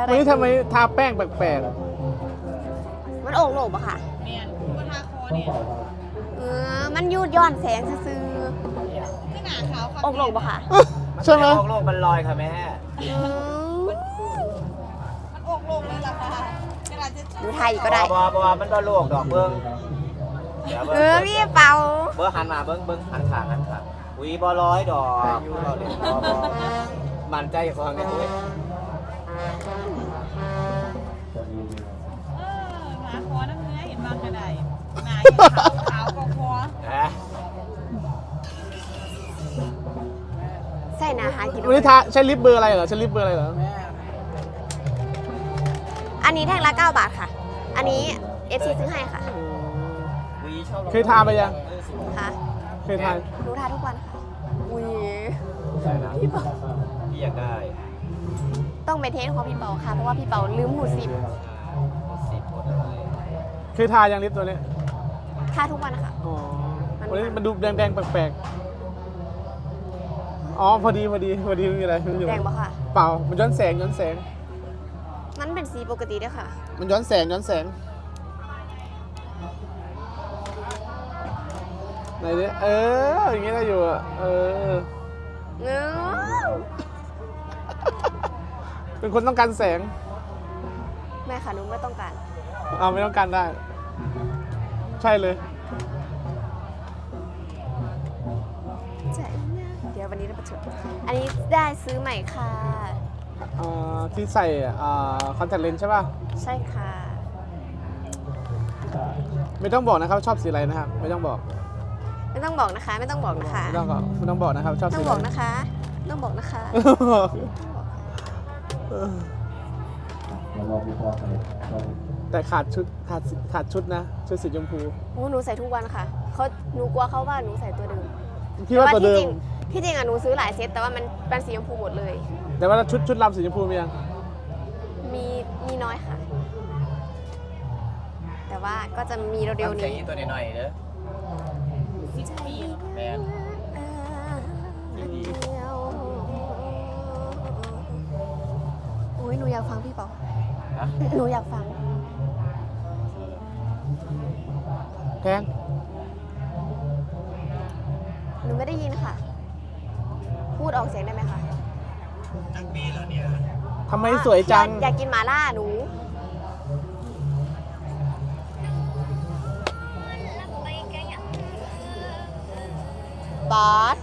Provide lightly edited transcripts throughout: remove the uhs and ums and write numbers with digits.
วันนี้ทำไมทาแป้งแปลกมันโอ่งโหนกปะค่ะเมียนกูทาคอเนี่ยมันยูดย้อนแสงซื่อก็หนาขาวๆโอ่งโหนกปะค่ะๆใช่ไหมโลกมันลอยค่ะแม่มันอกลงเลยล่ะค่ะกระดาษจะดูไทยก็ได้บอมันก็โลกดอกเบิ้งเดี๋ยวเบิ้งพี่เปาเบิ้งหันมาเบิ้งหันขางอุ้ยบอร้อยดอกอยู่เราเด็กบอมันใจฟังเนี่ยอุ้ยหนาคอน้ำเนื้อเห็นบางกระไดหนาขาวก็คอใส่นาหากินวันนี้ทาใช้ลิปเบอร์อะไรเหรอใช้ลิปเบอร์อะไรเหรออันนี้แท่งละ9 บาทค่ะ อันนี้ FC ซื้อให้ค่ะวีชอบเคยทาไปยังค่ะเคยทาหนูทาทุกวันค่ะอุ้ยพี่อยากได้ต้องไปเทสของพี่เปาค่ะ เพราะว่าพี่เปาลืมหูสิบสีโพดอะไรเคยทายังลิปตัวนี้ทาทุกวันค่ะอ๋อวันนี้มันดูแดงๆแปลกๆอ๋อพอดีไม่มีอะไรไม่มีแดอะไรงปะค่ะเปล่ามันย้อนแสงมันเป็นสีปกติด้วยค่ะมันย้อนแสงไหนดิอย่างงี้ได้อยู่อ่ะเป็นคนต้องการแสงแม่ค่ะหนูไม่ต้องการไม่ต้องการได้ ใช่เลยใช่เดี๋ยววันนี้เราประชุมอันนี้ได้ซื้อใหม่ค่ะที่ใส่คอนแทคเลนส์ใช่ป่ะใช่ค่ะไม่ต้องบอกนะครับชอบสีอะไรนะครับไม่ต้องบอกไม่ต้องบอกนะคะ ไม่ต้องบอกนะคะไม่ต้องบอกนะครับชอบต้สีองอะไรบอกนะคะต้องบอกนะคะแต่ขาดชุดนะชุดสีชมพูหนูใส่ทุกวันค่ะหนูกลัวเขาว่าหนูใส่ตัวเดิมคิดว่าตัวเดิมที่จริงหนูซื้อหลายเซตแต่ว่ามันเป็นสีชมพูหมดเลยแต่ว่าชุดลำสีชมพูมียังมีน้อยค่ะ แต่ว่าก็จะมีเร็วๆทำเสียงนี้นี้ตัวหน่อยๆเด้อ 10 ปีแมนโอ้ยหนูอยากฟังพี่เปานะหนูอยากฟังแพงหนูไม่ได้ยินค่ะ พูดออกเสียงได้ไหมคะทำไมสวยจังอยากกินหม่าล่าหนูบอส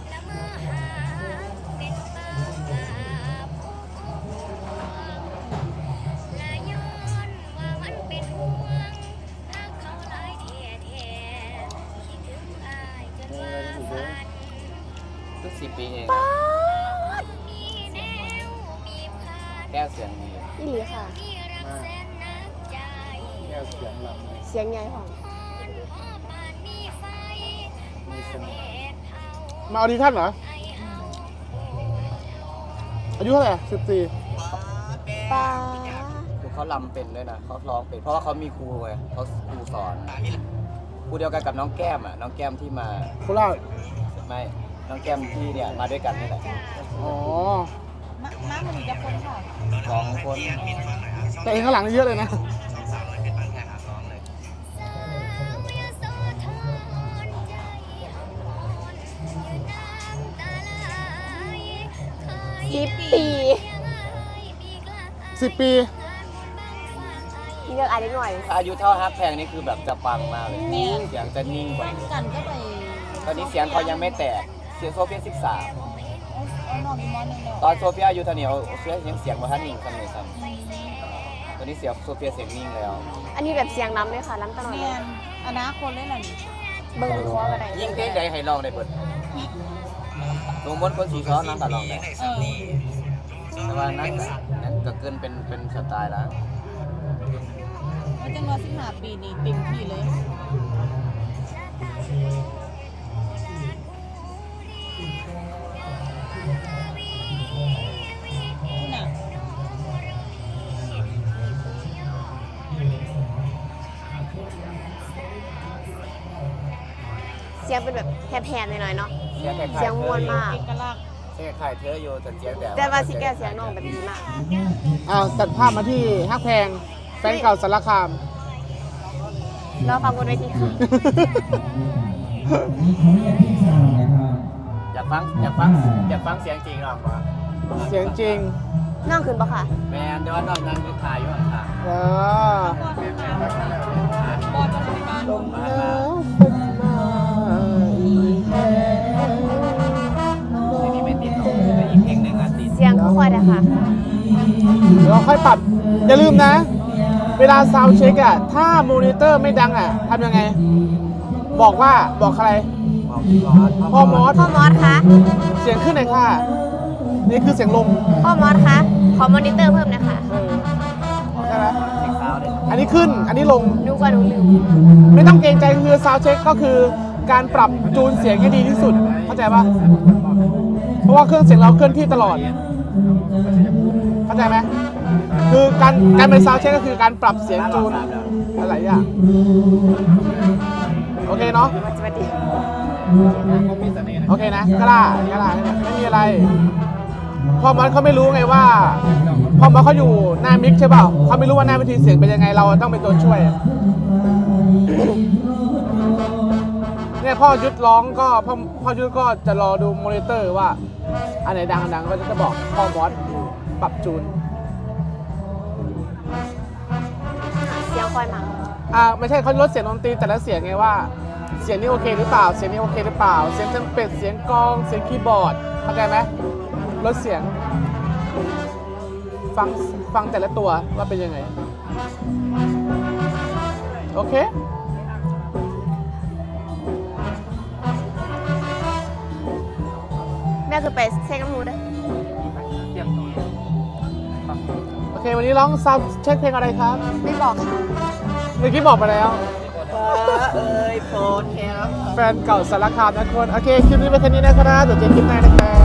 เพิ่ง10 ปีเองแก้วเสียงดีนี่หลีค่ะแก้วเสียงลำเสียงใหญ่ของมีเสน่ห์มาออดิชั่นเหรออายุเท่าไหร่14 ป้าคือเขาลำเป็นด้วยนะเขาร้องเป็นเพราะว่าเขามีครูไงเขาครูสอนครูเดียวกันกับน้องแก้มน้องแก้มที่มาโคราชไม่น้องแก้มที่เนี่ยมาด้วยกันนี่แหละอ๋อม้ามันมีจะคนค่ะ 2 คนแต่เองข้างหลังนี่เยอะเลยนะ 10 ปี 10 ปีเลือกอะไรหน่อยถ้าอายุเท่าฮักแพงนี่คือแบบจะปังมากเลยเสียงจะนิ่งกว่านี้กันก็ไปตอนนี้เสียงเขายังไม่แตกเสียงโซเฟีย13 เอานอนอีกมอนึงแล้วตอนโซเฟียอายุเท่านี้โซเฟียยังเสียงมาท่านนิ่งซ้ำเลยซ้ำตอนนี้เสียงโซเฟียเสียงนิ่งแล้วอันนี้แบบเสียงล้ำเลยค่ะล้ำตลอดเมีเลย ยนอนาคตเลยล่ะนี่เบิ้งคออะไรยิ่งเพลงใดให้ลองได้เบิดลงบนคนสีซ้อนนั่นก็ลองได้แต่ว่านั้นก็เกินเป็นสไตล์แล้วมันจะรอ15 ปีนี่เต็มที่เลยคุณน่ะเสียงเป็นแบบแหบๆหน่อยๆเนาะเสียงคล้ายๆเสียงม่วนมากเอกลักษณ์เสียงคล้ายเธออยู่แต่เสียงแต่แต่ว่าสิแก้เสียงน้องแบบดีมากอ้าวตัดภาพมาที่ฮักแพงแฟนเก่าสารคามรอฟังบนเวทีค่ะอยากฟังเสียงจริงหรอปะเสียงจริงน้องขึ้นปะค่ะแมนเดี๋ยวน้องนั่งอยู่ถ่ายอยู่ข้างเออบอลจะมาลมหนาวเป็นมาอีกแล้วๆนี่ไม่ติดหรอกแต่อีกเพลงหนึ่งอ่ะติดเสียงค่อยๆนะคะเดี๋ยวเราค่อยปรับ อย่าลืมนะ เวลาซาวด์เช็คอะถ้ามอนิเตอร์ไม่ดังอะทำยังไง บอกใคร พ่อมอสพ่อมอสคะเสียงขึ้นหน่อยค่ะ นี่คือเสียงลงพ่อมอสคะขอมอนิเตอร์เพิ่มนะคะใช่ไหมเพลงซาวด์เลยอันนี้ขึ้น อันนี้ลงดูกว่าหนูลืมไม่ต้องเกรงใจคือซาวด์เช็คก็คือการปรับจูนเสียงให้ดีที่สุด เข้าใจปะเพราะว่าเครื่องเสียงเราเคลื่อนที่ตลอด เข้าใจไหมคือการเป็นซาวด์เช็คก็คือการปรับเสียงจูนอะไรอย่างโอเคเนาะมันจะมาดีโอเคนะกล้าไม่มีอะไรพ่อมอสเขาไม่รู้ไงว่าพ่อมอสเขาอยู่หน้ามิกใช่เปล่าเขาไม่รู้ว่าหน้าวิธีเสียงเป็นยังไงเราต้องเป็นตัวช่วย เนี่ยพ่อยุดร้องก็พ่อยุดก็จะรอดูมอนิเตอร์ว่าอันไหนดังก็จะบอกพ่อมอสปรับจูนเสียงค่อยมากไม่ใช่เขาลดเสียงดนตรีแต่ละเสียงไงว่าเสียงนี้โอเคหรือเปล่าเสียงนี้โอเคหรือเปล่าเสียงเทมเป็ดเสียงกลองเสียงคีย์บอร์ดเข้าใจไหมลดเสียงฟังแต่ละตัวว่าเป็นยังไงโอเคแม่คือไปเช็คน้ำมูด้วยโอเควันนี้ร้องซับเช็คเพลงอะไรครับไม่บอกค่ะเมื่อกี้บอกไปแล้วเอ้ยโฟนแคร์แฟนเก่าสารคามนะทุกคนโอเคคลิปนี้เป็นแค่นี้นะครับเดี๋ยวเจอคลิปหน้านะครับ